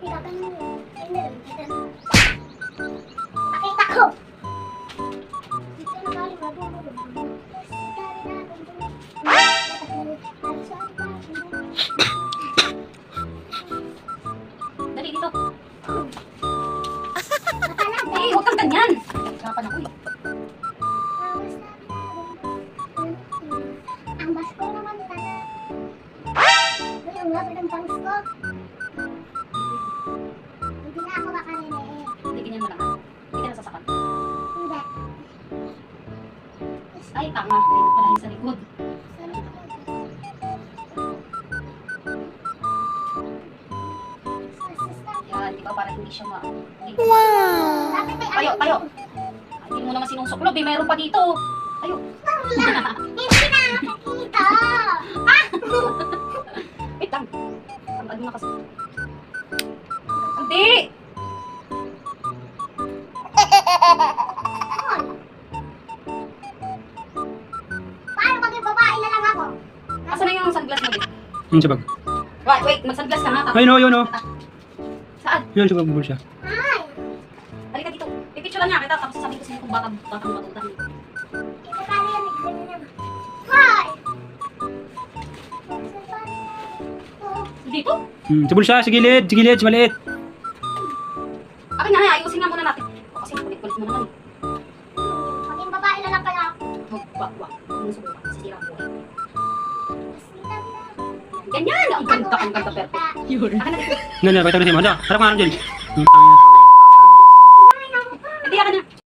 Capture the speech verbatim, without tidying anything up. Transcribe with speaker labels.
Speaker 1: Pakita ko!
Speaker 2: Dali dito. Eh, huwag kang ganyan. Hirapan ako eh.
Speaker 1: Ang basko naman tala. Yung lapit ang bangs ko. Hindi na ako makarinig.
Speaker 2: Hindi ganyan mo lang ha. Hindi ka nasasakan.
Speaker 1: Hindi.
Speaker 2: Ay, tama. Dito pala yung sa likod. Yan, di ba? Para hindi siya ma... Hindi.
Speaker 1: Wow! Bakit may
Speaker 2: Tayo, tayo. Ay, hindi mo naman sinusuklob eh. Mayroon pa dito. Tayo.
Speaker 1: Hindi na nakakita!
Speaker 2: Wait lang. Ang ano na kasi. Hindi!
Speaker 1: Paano maging babae na lang ako?
Speaker 2: Asa na yung sunglass mo dito?
Speaker 3: Yun sa bag.
Speaker 2: Wait, wait. Mag-sunglass ka nga.
Speaker 3: Ay, no, yun, no.
Speaker 2: Saan?
Speaker 3: Yun sa bag mo siya.
Speaker 1: Ay!
Speaker 2: Halika dito. Pipicturean niya kita. Tapos sasabihin ko sa'yo kung baka batang batutan.
Speaker 1: Ito tayo yan. Ganyan naman. Hi!
Speaker 2: Dito?
Speaker 3: Hmm, sa bulsa, sa gilid, sa gilid, sa maliit.
Speaker 2: Akin na, ayusin nga muna natin. O, kasi kulit-kulit mo naman eh.
Speaker 1: Maging babae na lang pala ako.
Speaker 2: Wag, wag, wag. Huwag mo subukan. Sisira ang buhay. Ganyan! Ang ganda, ang ganda, perfect. Akin na dito.
Speaker 3: Nga, nga, pakita ko na sa'yo. Handa, harap nga lang dyan. Hmm,